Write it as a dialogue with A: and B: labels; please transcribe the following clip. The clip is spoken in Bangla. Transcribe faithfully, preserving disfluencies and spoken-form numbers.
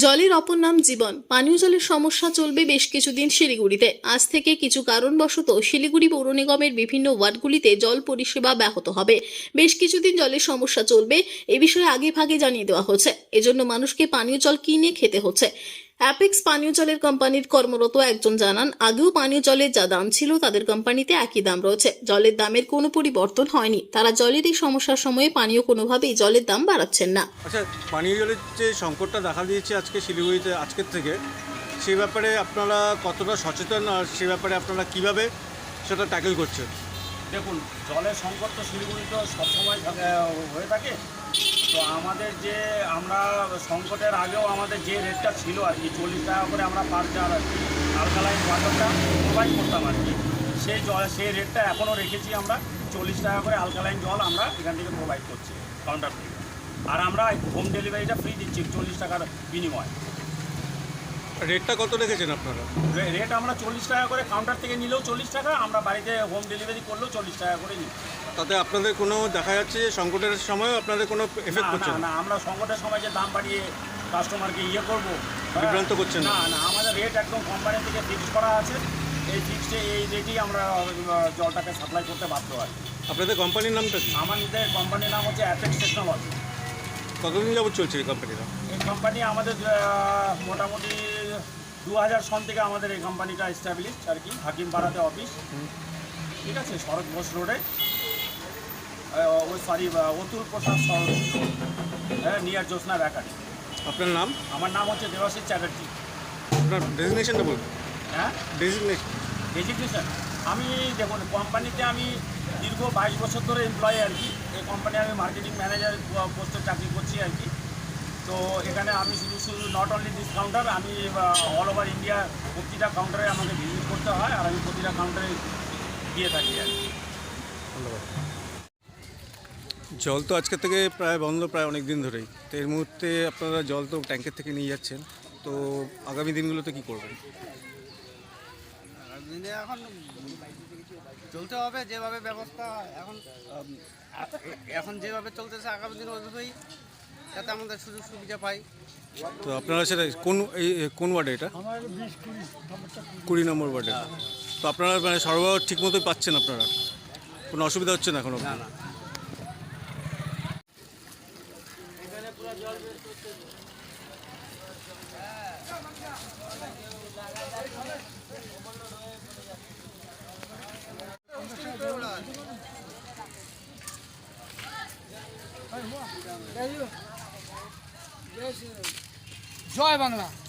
A: জলের অপর নাম জীবন। পানীয় জলের সমস্যা চলবে বেশ কিছুদিন শিলিগুড়িতে। আজ থেকে কিছু কারণবশত শিলিগুড়ি পৌর নিগমের বিভিন্ন ওয়ার্ডগুলিতে জল পরিষেবা ব্যাহত হবে। বেশ কিছুদিন জলের সমস্যা চলবে, এ বিষয়ে আগে ভাগে জানিয়ে দেওয়া হচ্ছে। এজন্য মানুষকে পানীয় জল কিনে খেতে হচ্ছে। অ্যাপেক্স পানীয় জলের কোম্পানির কর্মরত একজন জানান, আগেও পানীয় জলের যা দাম ছিল তাদের কোম্পানিতে একই দাম রয়েছে। জলের দামের কোনো পরিবর্তন হয়নি। তারা জলের এই সমস্যার সময়ে পানীয় কোনোভাবেই জলের দাম বাড়াচ্ছেন না।
B: আচ্ছা, পানীয় জলের যে সংকটটা দেখা দিয়েছে আজকে শিলিগুড়িতে আজকের থেকে, সেই ব্যাপারে আপনারা কতটা সচেতন আর সে ব্যাপারে আপনারা কিভাবে সেটা ট্যাকেল করছেন?
C: দেখুন, জলের সংকট তো শিলিগুড়িতে সবসময় হয়ে থাকে। তো আমাদের যে আমরা সংকটের আগেও আমাদের যে রেটটা ছিল আর কি, চল্লিশ টাকা করে আমরা পার জার আর কি আলকালাইন ওয়াটারটা প্রোভাইড করতাম আর কি, সেই জল সেই রেটটা এখনও রেখেছি আমরা। চল্লিশ টাকা করে আলকালাইন জল আমরা এখান থেকে প্রোভাইড করছি কাউন্টার থেকে। আর আমরা হোম ডেলিভারিটা ফ্রি দিচ্ছি চল্লিশ টাকার বিনিময়ে।
B: রেটটা কত রেখেছেন আপনারা?
C: রেট আমরা চল্লিশ টাকা করে, কাউন্টার থেকে নিলেও চল্লিশ টাকা, আমরা বাড়িতে হোম ডেলিভারি করলেও চল্লিশ টাকা করে নিই।
B: তাতে আপনাদের কোনো দেখা যাচ্ছে যে সংকটের সময়ও আপনাদের কোনো এফেক্ট করছে
C: না? না, আমরা সংকটের সময় যে দাম বাড়িয়ে কাস্টমারকে ইয়ে করবো,
B: বিভ্রান্ত করছেন
C: না না আমাদের রেট একদম কোম্পানি থেকে ফিক্স করা আছে। এই ফিক্সে এই রেটেই আমরা জলটাকে সাপ্লাই করতে বাধ্য হয়।
B: আপনাদের কোম্পানির নামটা কি?
C: আমাদের কোম্পানির নাম হচ্ছে অ্যাপেক্স টেকনোলজি।
B: কতদিন যাবত চলছে এই কোম্পানিটা?
C: এই কোম্পানি আমাদের মোটামুটি দু হাজার সন থেকে আমাদের এই কোম্পানিটা এস্টাবলিশ আর কি, হাকিমপাড়াতে অফিস। ঠিক আছে, শরৎ ঘোষ রোডে, ওই সরি অতুল প্রসাদ শরৎ হ্যাঁ, নিয়ার জ্যোৎস্না বেকারি।
B: আপনার নাম?
C: আমার নাম হচ্ছে দেবাশিস চ্যাটার্জি।
B: আপনার ডেজিগনেশনটা বলুন।
C: হ্যাঁ,
B: ডেজিগনেশন
C: ডেজিগনেশন আমি দেখুন, কোম্পানিতে আমি দীর্ঘ বাইশ বছর ধরে এমপ্লয়ি আর কি। এই কোম্পানি আমি মার্কেটিং ম্যানেজার পোস্টে চাকরি করছি আর কি। তো এখানে আমি শুধু শুধু নট অনলি ডিসকাউন্টার, আমি অল ওভার ইন্ডিয়া প্রতিটা কাউন্টারে আমাকে ভিজিট করতে হয়, আর আমি প্রতিটা কাউন্টারে দিয়ে থাকি আর কি।
B: ধন্যবাদ। জল তো আজকে থেকে প্রায় বন্ধ, প্রায় অনেক দিন ধরেই। তো এর মুহূর্তে আপনারা জল তো ট্যাঙ্কের থেকে নিয়ে যাচ্ছেন, তো আগামী দিনগুলোতে কী করবেন?
D: দিনে এখন চলতে হবে যেভাবে ব্যবস্থা এখন এখন যেভাবে চলতেছে, আগামী দিন ওইভাবেই যাতে আমাদের সুযোগ সুবিধা পাই।
B: তো আপনারা সেটা কোন এই কোন ওয়ার্ডে এটা? কুড়ি নম্বর ওয়ার্ডে। তো আপনারা মানে সরবরাহ ঠিক মতোই পাচ্ছেন? আপনারা কোনো অসুবিধা হচ্ছে না এখনো?
D: না না
E: জয় বাংলা।